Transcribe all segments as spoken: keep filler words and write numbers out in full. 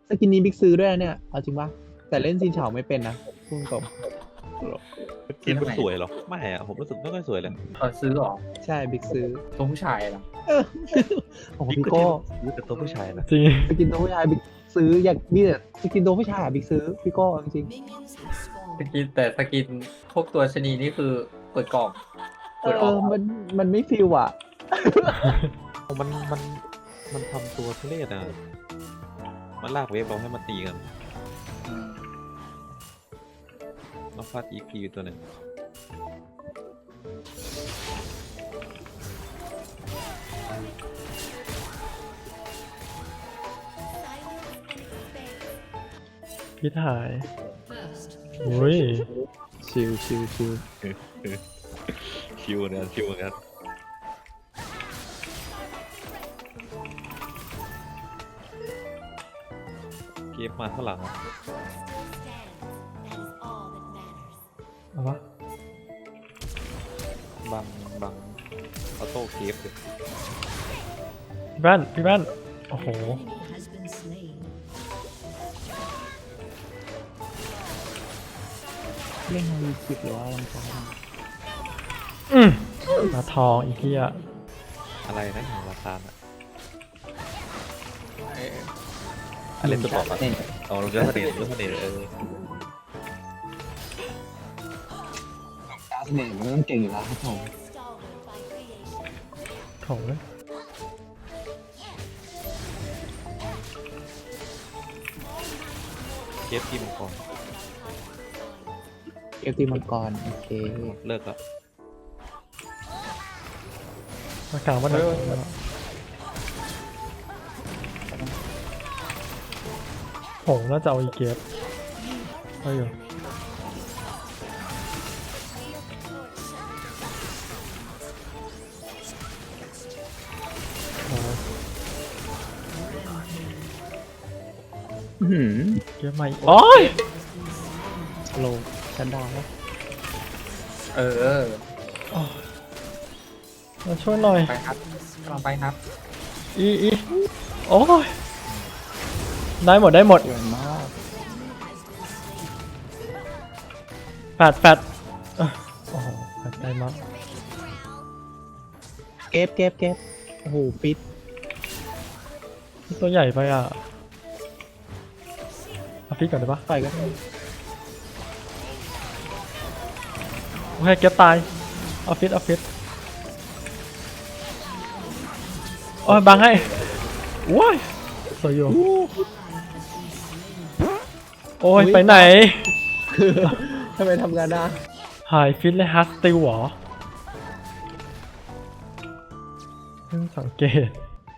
สกินนี้บิ๊กซื้อด้วยนะเนี่ยเอาจริงปะแต่เล่นซินเฉาไม่เป็นนะพูดตรงกินมันสวยเหรอไม่อะผมรู้สึกไม่ค่อยสวยเลยเออซื้อหรอใช่บิ๊กซื้อตัวผู้ชายเหรอเออโอ้โหบิ๊พี่ก็โก้ซื้อแต่ตัวผู้ชายนะจริงสกินตัวผู้ชายบิ๊กซื้ออยากมีแต่สกินตัวผู้ชายอะบิ๊กซื้อพี่โก้เอาจริงสกินแต่สกินพวกตัวชนีนี่คือเปิดกล่องๆเอเปิดออกอมันมันไม่ฟิลอ่ะมันมันมันทำตัวทุเรศอ่ะมันลากเวฟเราให้มาตีกันมาฟาดอีกีตัวหนึ่งพี่ถ่ายอุ้ยชิลชิลชิลคิวเหมือนกันคิวเหมือนกันเกมมาข้างหลังอะเอาวะบังบังออโต้เกฟเลยพี่บ้านพี่บ้านโอ้โหเล่นมีสิบหรือว่าลังกาอืมมาทองอีกที่อะอะไรนะของราคาอ่ะเอออะไรตัวบอกอ่ะเนี่ยเอาลงเจ้าเสน่ห์เจ้าเสน่ห์เออดาวเสน่ห์มันต้องเก่งอยู่แล้วครับผมของเลยเกฟทีมก่อนเอฟตีมังกรโอเคเลิกแล้วมากลางบ้านหน่อยโหน่าจะเอาอีเกียบเอาอยู่เอาอื้อหือเกียบใหม่โอ้ยโลชันดาวน์เออมาช่วยหน่อยไปครับกำลังไปครับอีอีโอ้ยได้หมดได้หมดสวยมากแปดแปดเอ้อโอ้โหแปดได้มากเก็บเก็บเก็บโอ้โหฟิตตัวใหญ่ไปอ่ะเอาพี่ก่อนได้ปะต่อยกันโอเคเก็บตายเอาฟิตเอาฟิตโอ้ยบังให้ว้ายสวยอยู่โอ้ยไปไหนคือทำไมทำงานได้หายฟิตเลยฮัสติวเหรอเพิ่งสังเกต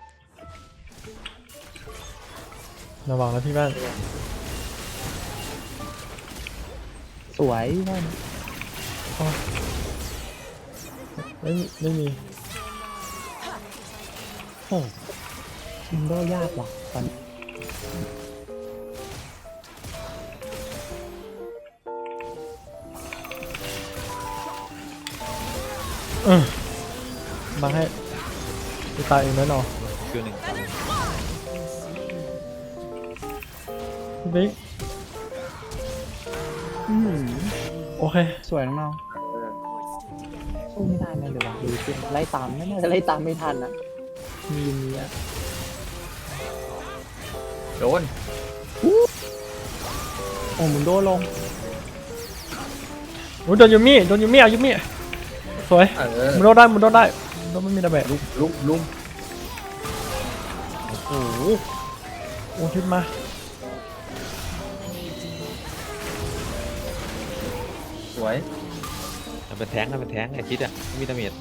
ระวังนะพี่บ้านสวยมากอ๋อไม่มีไม่มีโอ้ชิมโดยากว่ะตอนนี้เออบังให้จะตายเองแน่นอนคิวหนึ่งตามพี่บิ๊กอื้อหือโอเคสวยน้องๆสู้ไม่ได้แน่เลยวะดูสิไล่ตามไม่น่าจะไล่ตามไม่ทันนะมีมีอ่ะโดนโอ้หมุนโดนลงโอ้ยโดนยูมี่โดนยูมี่เอายูมี่สวยเออมุนโดนได้มุนโดนได้มุนโดนไม่มีดาเมจลุมลุมลุมโอ้โหโอ้ทิศมาสวยมันเป็นแท้งนะเป็นแท้งไอ้ชิดอ่ะไม่มีดาเมจ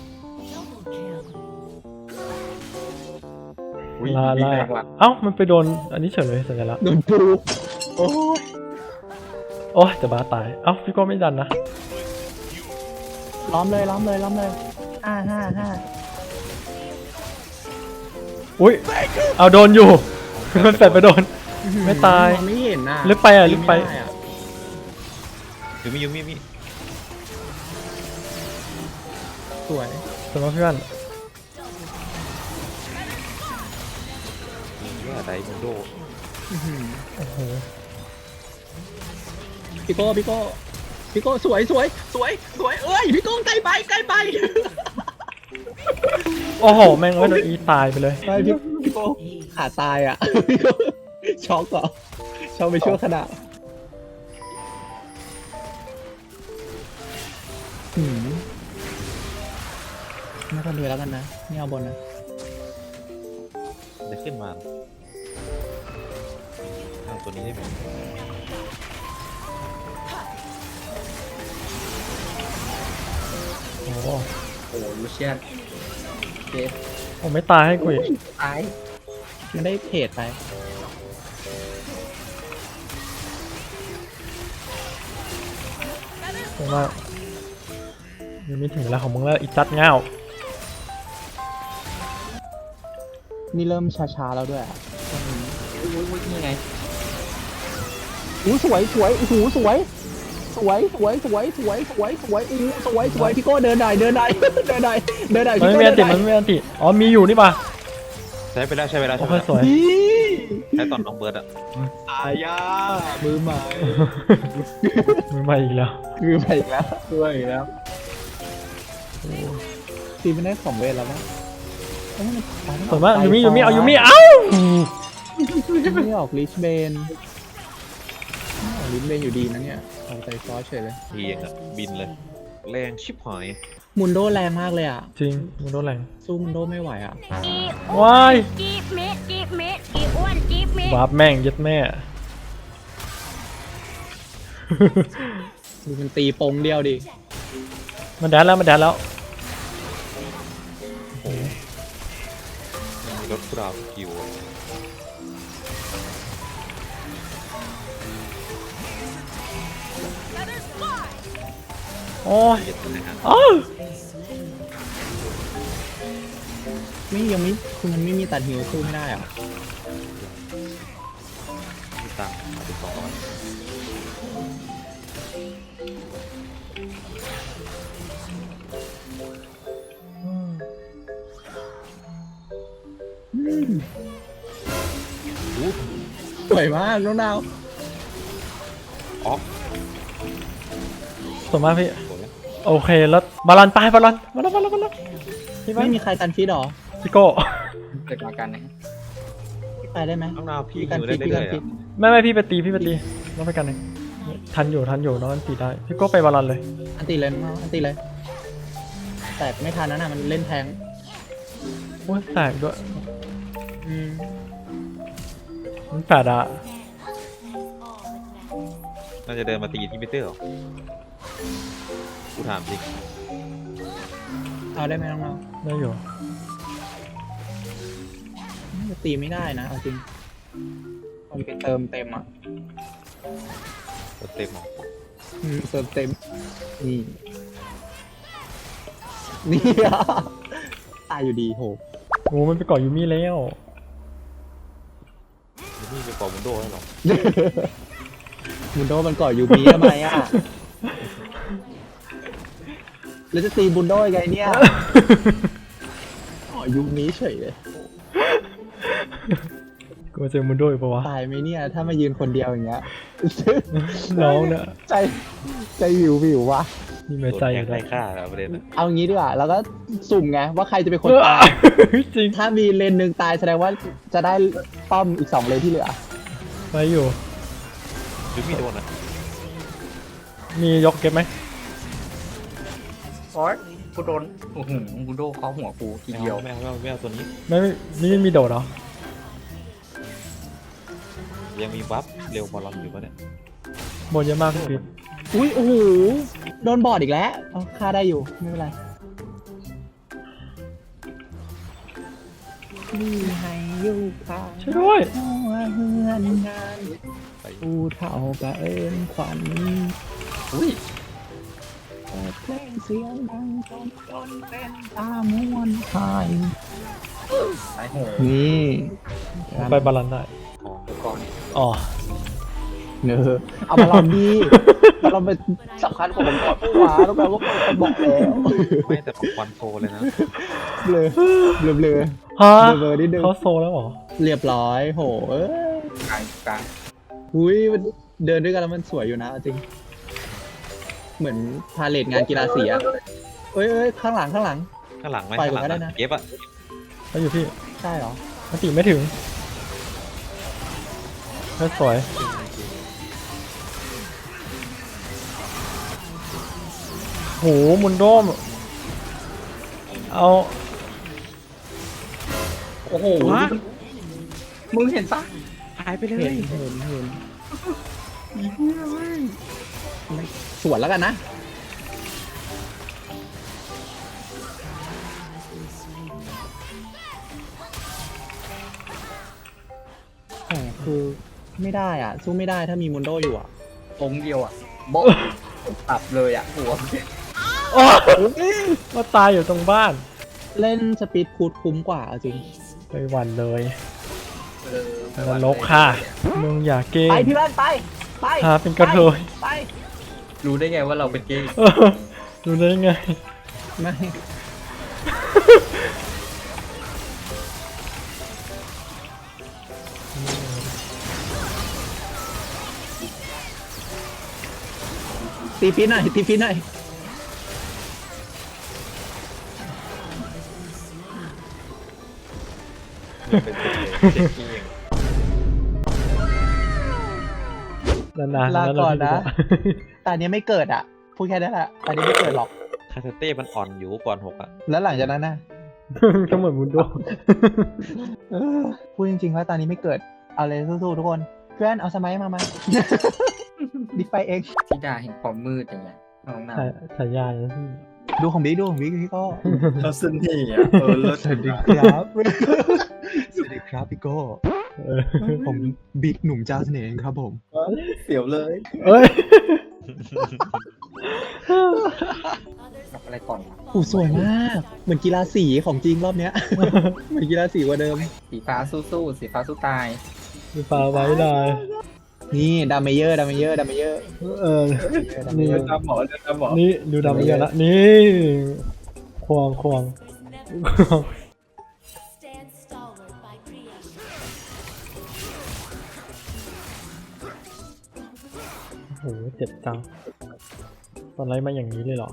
อุ้ยลาดีลาแรงว่ะเอ้ามันไปโดนอันนี้เฉยเลยสัญลักษณ์โดนปูโอ้ยโอ้ยจะบ้าตายเอ้าพี่ก็ไม่ดันนะล้อมเลยล้อมเลยล้อมเลยห้าห้าห้าอุ้ยเอาโดนอยู่ มันแฝดไปโดน ไม่ตายมองไม่เห็นน่ะลึกไปอ่ะลึกไปม่ด้อะยูมิยูมิมิสวยสำหรับพี่บ้านมีแย่ไดมอนโดอื้อหือโอ้โหพี่โก้พี่โก้พี่โก้สวยสวยสวยสวยเอ้ยพี่โก้ใกล้ไปใกล้ไปโอ้โหแม่งเอ้ยโดนอีตายไปเลยไม่พี่พี่โก้ขาตายอ่ะ พี่โก้ช็อกเหรอช็อกไปชั่วขณะหืมไม่ต้องดูแล้วกันนะไม่เอาบนนะจะขึ้นมาเอาตัวนี้ได้ไหมโอ้โหโอ้โหลูเชียนเจฟผมไม่ตายให้กูอีกตายมันได้เพจไปผมว่ายังไม่ถึงแล้วของมึงแล้วอีจัดเง่านี่เริ่มช้าๆแล้วด้วยอ่ะอุ้ยอุ้ยนี่ไงอู้สวยสวยโอ้โหสวย สวยสวยสวยสวยสวยสวยอู้สวยสวยพี่โก้เดินได้เดินได้เดินได้เดินได้มันพี่ไม่โก้มีเดิอันนติได้มันไม่มีอันติอ๋อมีอยู่นี่ป่ะใช้ไปแล้วใช้ไปแล้วโอ้ใช้ไปโหแล้วสวยนี่ใช้ตอนน้องเบิร์ดอ่ะอายามือใหม่มือใหม่อีกแล้วมือใหม่อีกแล้วด้วยแล้วตีไม่ได้ของเวทแล้วมั้งเอ้ยมันตายไม่อสอวยมากยูมิใจยูมิเอาฟยูมิเอ้าไม่ออกลิชเบนไม่ออกลิชเบนอยู่ดีนะเนี่ยเอาใจฟอสเฉยเลยทีเองอ่ะบินเลย แรงชิบหายมุนโดแรงมากเลยอ่ะจริงมึงโดนแรงสู้มุนโดไม่ไหวอ่ะว้ายจีบเม็ดจีบเม็ดอีอ้วนจีบเม็ดวาร์ปแม่งยัดแม่ดูมันตีปงเดียวดิมันแดนแล้วมันแดนแล้วมันมีรถกราวสกิลอะโอ้ยเย็ดเลยฮะอ้าวไม่ยังไม่คือมันไม่มีตัดหิวสู้ไม่ได้อ่ะมีตังค์มาเป็นสองร้อยสวยมากน้องดาวอ๋อสวยมากพี่สวยไหมโอเคแล้วบาลอนไปบาลอนบาลอนบาลอนบาลอนพี่ไม่มีใครกันฟีดหรอพี่โก้เกิดมากันนะไปได้ไหมน้องนาวพี่พี่กันอยู่ฟีได้ดพี่เรื่กัอน ยๆฟีดอะไม่ไม่พี่ไปตีพี่ไปตีน้องไปกันหนึ่งทันอยู่ทันอยู่น้องอันตีได้พี่โก้ไปบาลอนเลยอันตีเลยน้องดาวอันตีเลย แต่ไม่ทันนะน่ะมันเล่นแทงโอ้ยแตกด้วยอืมมันแปดอะน่าจะเดินมาตีที่มิเตอร์เหรอกูถามจริงเอาได้ไหมน้องดาวได้อยู่น่าจะตีไม่ได้นะเอาจริงมันไปเติมเต็มอ่ะรถเต็มหรออืมเติมเต็มนี่นี่อ่ะตายอยู่ดีโหโอ้มันไปเกาะยูมิแล้วนี่จะกอบุนโดให้หรอบุนโดมันก่อยูบีทำไมอ่ะ แล้วจะตีบุนโดยังไงเนี่ยอ๋อยูมีเฉยเลยกูเจอมุนโดอีกปะวะตายไหมเนี่ย ถ้ามายืนคนเดียวอย่างเงี้ยน้องเนี่ยใจใจวิววิววะนี่ไม่ใจใจอยู่ไร้แล้วค่าแล้วประเด็นอะเอางี้ดีกว่าแล้วก็สุ่มไงว่าใครจะเป็นคนตายจริงถ้ามีเลนหนึ่งตายแสดงว่าจะได้ป้อมอีกสองเลนที่เหลือไปอยู่หรือมีโดนอ่ะมียกเก็บไหมโอ๊ยกูโดนโอ้โหกูโดนเคาะหัวกูทีไม่เดียวเอาไม่เอาไม่เอาไม่เอาตัวนี้ไม่ไม่นี่มีโดดเหรอยังมีวับเร็วบอลลอนอยู่ปะเนี่ยโบนเยอะมากพี่อุ้ยโอ้โหโดนบอดอีกแล้วเอาฆ่าได้อยู่ไม่เป็นไรนี่ให้อยู่ค่ะช่วยด้วยหัวเฮือนงานไปผู้เฒ่ากะเอินขวัญอุ้ยเปิดเพลงเสียงดังจนจนเป็นตามวนหายสายโหงนี่ไปบาลานได้ของเดี๋ยวก่อนอ๋อเนอเอามาลองดีมาลองเป็นสำคัญกว่าผมก่อนผู้ว่าแล้วกันว่าคนบอกแล้วไม่แต่ของควันโซเลยนะเบลอเบลอเบลอฮะเบลอนิดนึงเขาโซแล้วเหรอเรียบร้อยโหเอ้ยไงกลางอุ้ยมันเดินด้วยกันแล้วมันสวยอยู่นะเอาจริง เหมือนพาเลทงานกีฬาสีอะเอ้ยเอ้ยข้างหลังข้างหลังข้างหลังไหมไปข้างหลังก็ได้อะนะเก็บอะไปอยู่พี่ใช่เหรอมันตีไม่ถึงไม่สวยโหมุนโดมเอาโอ้โหมึงเห็นปะหายไปเลเห็ยนเห็นเห็นสวนแล้วกันนะแต่คือไม่ได้อ่ะ สู้ไม่ได้ถ้ามีมุนโดอยู่อ่ะองค์เดียวอ่ะโบ๊ะตับเลยอ่ะหัวโอ้มาตายอยู่ตรงบ้านเล่นสปีดคูดคุ้มกว่าเอาจริงไปหวันเลยเออนรกค่ะมึงอย่าเก่งไปพี่บ้านไป ไปหาเป็นกระเทยไปรู้ได้ไงว่าเราเป็นเกย์เออรู้ได้ไงไม่ ตีฟีหน่อยตีฟีหน่อยเป็นเจ็ดที่นานๆลาก่อนนะแล้วเราตอนนี้ไม่เกิดอ่ะ พูดแค่นั้นแหละตอนนี้ไม่เกิดหรอกคาสเต้มันอ่อนอยู่ก่อนหกอะแล้วหลังจากนั้นนะก็เหมือนมุนโดเออพูดจริงๆว่าตอนนี้ไม่เกิด เอาเลยสู้ๆทุกคน เพื่อนเอาสมัยมา มาดิไฟเองธิดาแห่งความมืดอย่างเงี้ยน้องนาฉายฉายาเลยพี่ดูของบิ๊กดูของบิ๊กพี่ก็เราสนิทอ่ะเออเลิศสวัสดีครับ สวัสดีครับพี่โก้เออผมบิ๊กหนุ่มเจ้าเสน่ห์ครับผมเสียวเลยเอ้ยทำอะไรก่อนวะโอ้สวยมาก เหมือนกีฬาสีของจริงรอบเนี้ย เหมือนกีฬาสีกว่าเดิมสีฟ้าสู้ๆสีฟ้าสู้ตายมีปลาไว้ได้นี่ดามเมเยอร์ดามเมเยอร์ดามเมเยอร์เออ นี่เดินตามหมอเดินตามหมอนี่ดูดำไปเยอะละนี่ควงควงควง Stand stalwart by creation. โอ้โหเจ็บจังตอนไรมาอย่างนี้เลยเหรอ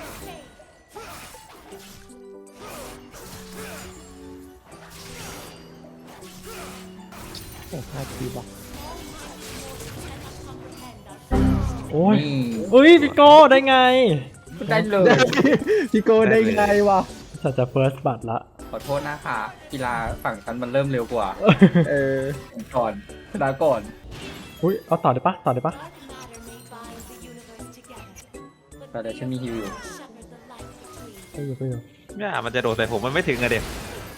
โอ้พลาดทีว่ะโอ้ยนี่เอ้ยพี่โก้ได้ไงได้เลยพี่โก้ได้ไงวะสัจจะเฟิร์สบัตรละขอโทษนะคะกีฬาฝั่งฉันมันเริ่มเร็วกว่าเออก่อนลาก่อนอุ้ยเอาต่อได้ปะต่อได้ปะแต่เดี๋ยวฉันมีฮิวอยู่ไปอยู่ไปอยู่เนี่ยมันจะโดดใส่ผมมันไม่ถึงอะเด็ก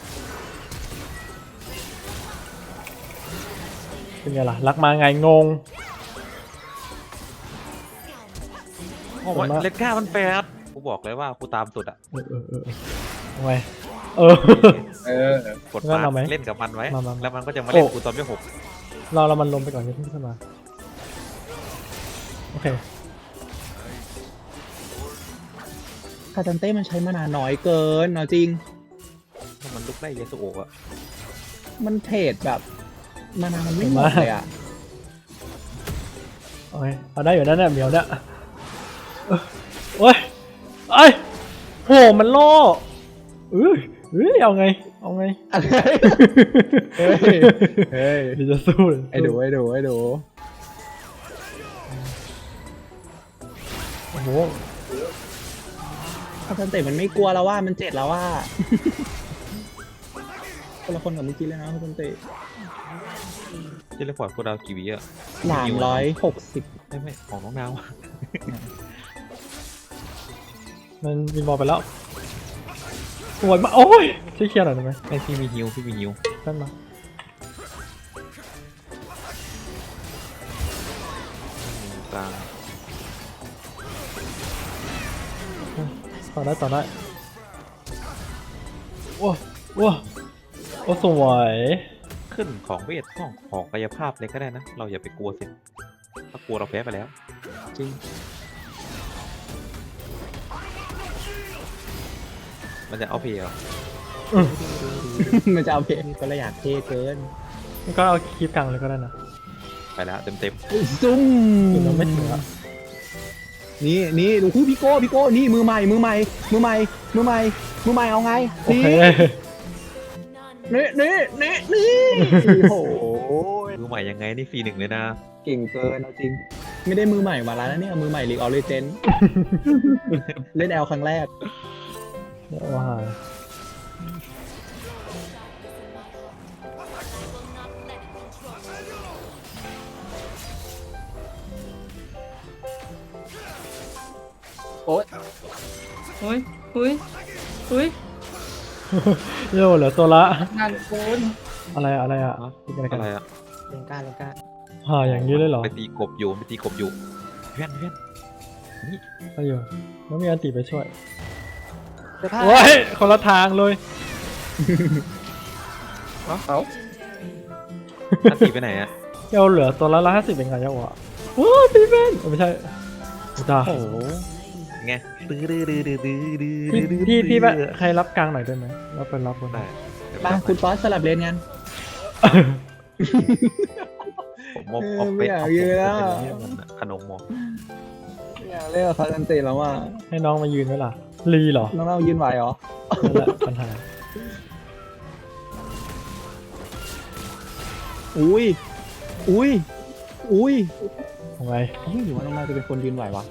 เป็นไงล่ะรักมาไงงงโอ้โหเลนก้ามันแปดกูบอกเลยว่ากูตามสุดอะเออเออเออเออเอาไงเออเออกดงั้มานเอาไหมเล่นกับมันไว้มามาแล้วมันก็จะมาเล่นโอ้กูตอนที่หกรอเรามันลงไปก่อนอย่าเพิ่งขึ้นมาโอเคคาตันเต้มันใช้มานานน้อยเกินเอาจริงถ้ามันลุกได้เยสุโอะอะมันเทรดแบบมานานมันไม่หมดเลยอ่ะโอเคเอาได้อยู่นั่นแหละเหมียวเนี่ยเออโอ้ยไอ้ยโหมันล่อเอ้ยเอ้ยเอาไงเอาไงอะไรเฮ้ย เฮ้ยเดี๋ยวจะสู้เลยไอ้ดูไอ้ดูไอ้ดูโอ้โหคาตันเต้มันไม่กลัวแล้วว่ามันเจ็ดแล้วว่า คนละคนกับเมื่อกี้เลยนะคาตันเต้เทเลพอร์ตกูดาวกี่วิอะสามร้อยหกสิบไม่ไม่ของน้องดาวมันวินบอลไปแล้วสวยมากโอ้ยช่วยเคลียร์หน่อยได้ไหมไอพี่มีฮิวพี่มีฮิวแป๊บมากลางต่อได้ต่อได้โอ้โอ้โอ้สวยขึ้นของเวทของของกายภาพเลยก็ได้นะ เราอย่าไปกลัวสิถ้ากลัวเราแพ้ไปแล้วจริงมันจะเอาเพลย์เหรอมันจะเอาเพลงก็เลยอยากเท่เกินมันก็เอาคลิปกลางเลยก็ได้นะแล้วเต็มเต็มซุ่มคือเราไม่ถึงอะนี่นี่ดูคู่พี่โก้พี่โก้นี่มือใหม่มือใหม่มือใหม่มือใหม่มือใหม่เอาไงโอเคนี่นี่นี่นี่โอ้โหมือใหม่ยังไงนี่ฟรีหนึ่งเลยนะเก่งเกินเอาจริง ไม่ได้มือใหม่มาแล้วนะเนี่ยมือใหม่ลีกออลเลเจน เล่นแอลครั้งแรกว้าโอ๊ยเฮ้ยเฮ้ยเฮ้ยโย่เหลือตัวละงานโกนอะไรอะอะไรอะฮะคิดอะไรกัอะนไรอะเลนก้าเลนก้าห่าอย่างนี้เลยเหรอไปตีกบอยู่ไปตีกบอยู่เพื่อนเพื่อนไปอยู่แล้วมีอันติไปช่วยเสื้อผ้าโอ้ยคนละทางเลยเอาเอาอันตีไปไหนอะเจ้าเหลือตัวละละห้าสิบเป็นไงเจ้าวะโอ้ยพี่เป็นเออไม่ใช่จ้าโอ้โหไงตื้อดื้อดื้อดื้อดื้อดื้อพี่ดื้อพี่พี่แบบใครรับกลางหน่อยได้ไหมรับเป็นรับบนได้เดี๋ยวมาคุณฟอสสลับเลนกันผมมอบเออเอาไปไม่อยากเอายืนแล้วเป็นเนี่ยมันอะขนมมองไม่อยากเล่นกับคาซันติแล้วว่าให้น้องมายืนไว้ล่ะลีเหรอน้องเรายืนไหวเหรอนั่นแหละปัญหาอุ้ยอุ้ยอุ้ยทำไมเฮ้ยหรือว่าน้องเราจะเป็นคนยืนไหววะ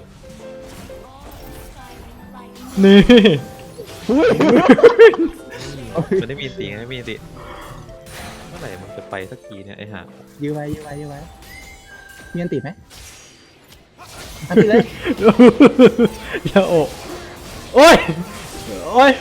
นี่อุ้ยมันได้มีตีไงไม่มีตีเมื่อไหร่มันจะไปสักทีเนี่ยไอ้ห่ายืนไว้ยืนไว้ยืนไว้มีอันติดไหมอันติดเลยอย่าโอะโอ้ยโอ้ย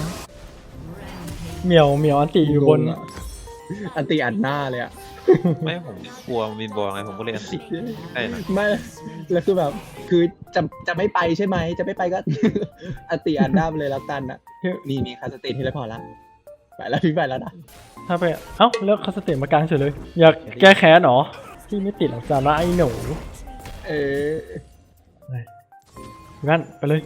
เหมียวเหมียวอันติอยู่บนอันติอัดหน้าเลยอะไม่ผมกลัววินบอลไงผมก็เลยอันติได้นะไม่แล้วคือแบบ คือจะจะไม่ไปใช่ไหมจะไม่ไปก็ อันติอัดหน้าไปเลยแล้วกันอะนี่นี่คาสติที่แล้วพอละไปแล้วพี่ไปแล้วนะถ้าไปเอ้าแล้วคาสเตะมากลางเฉยเลย อยากแก้แค้นเหรอที่ไม่ติดหลังจานะไอ้หนูเอองั้นไปเลย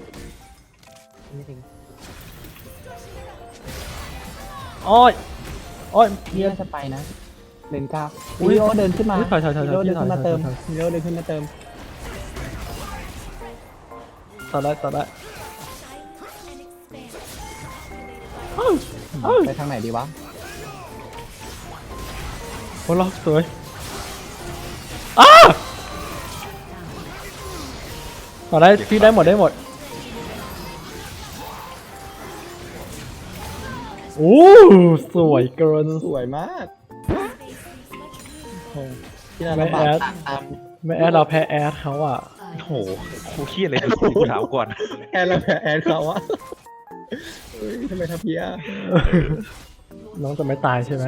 โอ้ยโอ้ยพี่น่าจะไปนะเลนก้าอุ๊ยมิโอเดินขึ้นมาอุ๊ยถอยถอยถอยมิโอเดินขึ้นมาถอยถอยเติมถอยมิโอเดินขึ้นมาเติมต่อได้ต่อได้ไปทางไหนดีวะโอ้ล็อกสวยอ้าต่อได้พี่ได้หมดได้หมดโอ้สวยเกินสวยมากโอ้ที่เราไม่ลำบากแอดตามไม่แอดเราแพ้แอดเขาอ่ะโอ้โหครูเครียดเลยกูถามก่อนแอนแล้วแพ้แอนเขาอะเฮ้ยทำไมทับเพียน้องจะไม่ตายใช่ไหม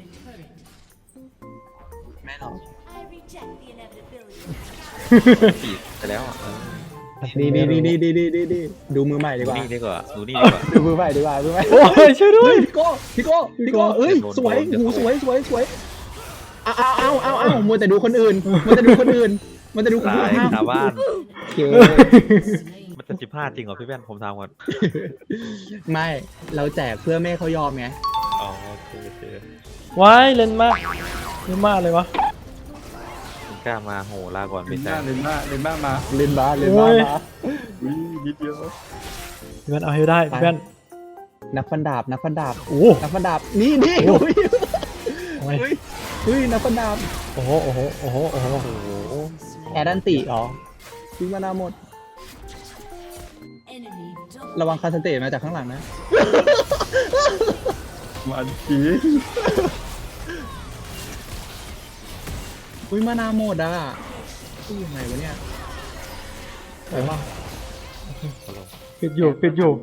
แม่หรอ I reject the inevitability. ตีไปแล้วอ่ะเออนี่นี่นี่นี่นี่นี่นี่นี่ดูมือใหม่ดีดูกว่านี่ดีกว่าดูนี่ดีกว่าดูมือใหม่ดีกว่ามือใหม่โอ้ยช่วยด้วยเฮ้ยพี่โก้พี่โก้พี่โก้เอ้ยโดนสวยโดนหูสวยสวยสวยเอาเอาเอาเอาเอามัวแต่ดูคนอื่นมัวแต่ดูคนอื่นมัวแต่ดูคนตาอื่ยนคาบ้านโอเคมันจะสิบห้าจริงเหรอพี่แว่นผมทำก่อนไม่เราแจกเพื่อไม่ให้เขายอมไงอ๋อโอเคโอเคว้ายเล่นมากเล่นมากเลยวะคุณกล้ามาโหลาก่อนเลไม่นใช่บ้าเลนบ้าเลนบ้ามาเล่นบ้าเล่นบ้าโอ้ยมาอุ้ยนิดเดียวพี่แว่นเอาให้ได้พี่แว่นนักฟันดาบนักฟันดาบโอ้นักฟันดาบนี่นี่โอ้ยโอ้ยเฮ้ยเฮ้ยนักฟันดาบโอ้โหโอ้โหโอ้โหโอ้โหโอ้โหแอดันติเหรอทิ้งมานาหมด Enemy double. ระวังคาสเตมาจากข้างหลังนะมันจีอุ้ยมานาหมดอ่ะอุ้ยยังไงวะเนี่ยไปว่าสโลว์ปิดอยู่ปิดอยู่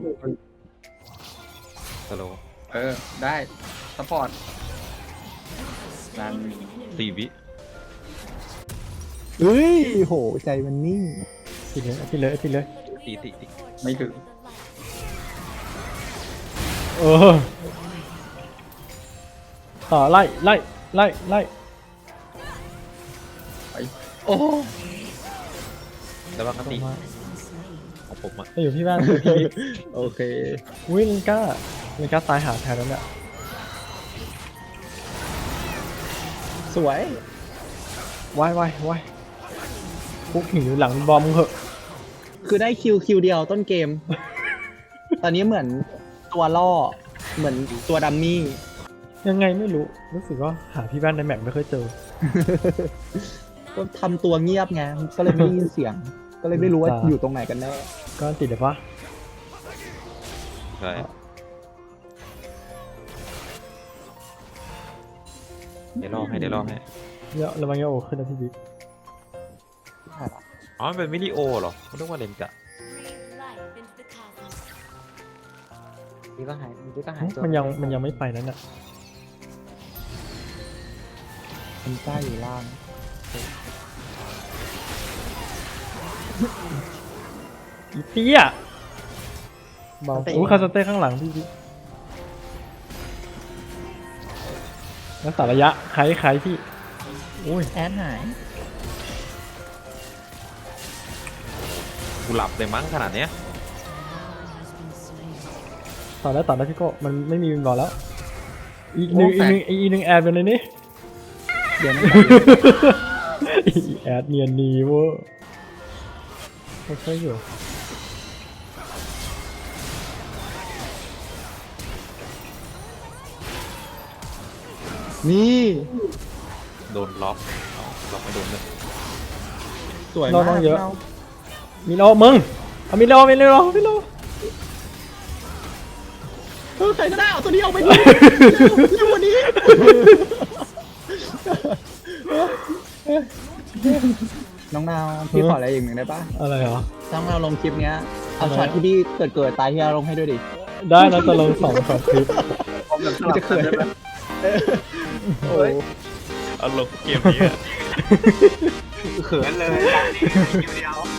สโลว์เออได้ซัพพอร์ตนั่นสี่วิเฮ้ยโหใจมันนิ่งปิดเลยปิดเลยปิดเลยตีตีตีไม่ถึงเออต่อไล่ไล่ไล่ไล่โอ้แล้วว่ากติมาของผมอ่ะไปอยู่พี่แว่นอยู่พี่โอเคอุ้ยลินก้าลินก้าตายหาแทนแล้วเนี่ยสวยวายวายวายพุกหิวหลังบอมมึงเหอะคือได้คิวคิวเดียวต้นเกม ตอนนี้เหมือนตัวล่อ เหมือนตัวดัมมี่ยังไงไม่รู้รู้สึกว่าหาพี่แว่นในแมปไม่เคยเจอก็ทำตัวเงียบไง ก็เลยไม่ได้ยินเสียง ก็เลยไม่รู้ว่าอ่าอยู่ตรงไหนกันแน่ก็ติดเดี๋ยวปะใช่เดี๋ยวรอให้เดี๋ยวรอให้เยอะระวังเยอะโอขึ้นนะพี่บิ๊กอ๋อมันเป็นวิดีโอเหรอไม่ต้องว่าเลนกะ Breathe life into the cosmos. นี่ก็หายนี่ก็หายตัวมันยังมันยังไม่ไปนั่นน่ะมันใต้อยู่ล่างอีเตี้ยเบาโอ้คาสเต้ข้างหลังพี่บิ๊กรักษาระยะใครใครพี่โอ้ยแอดหายกูหลับเลยมั้งขนาดเนี้ยต่อแล้วต่อแล้วพี่โก้มันไม่มีวินบอลแล้ว อีกหนึ่งอีกหนึ่งอีกหนึ่งแอดเป็นเลยนี่เดี๋ยวนะอีแอดเนียนนีเวอร์ค่อยๆอยู่นี่โดนล็อกเอาล็อกไม่โดนเลยสวยน้มาองกๆเยอะ มีโลมึงเอามีโลมีโลมีโลเออใครก็ได้เอาตัวนี้เอาไปดิเร็วกว่านี้ น้องนาวพี่ขออะไรอย่างหนึ่งได้ปะอะไรเหรอน้องนาวลงคลิปเนี้ย เอาอะไรช็อตที่พี่เกิดเกิดตายที่เราลงให้ด้วยดิได้นะจะลงสองสองคลิปมันจะเขินโอ้ยเอาลงเกมนี้อะเขินเลยคลิปเดียว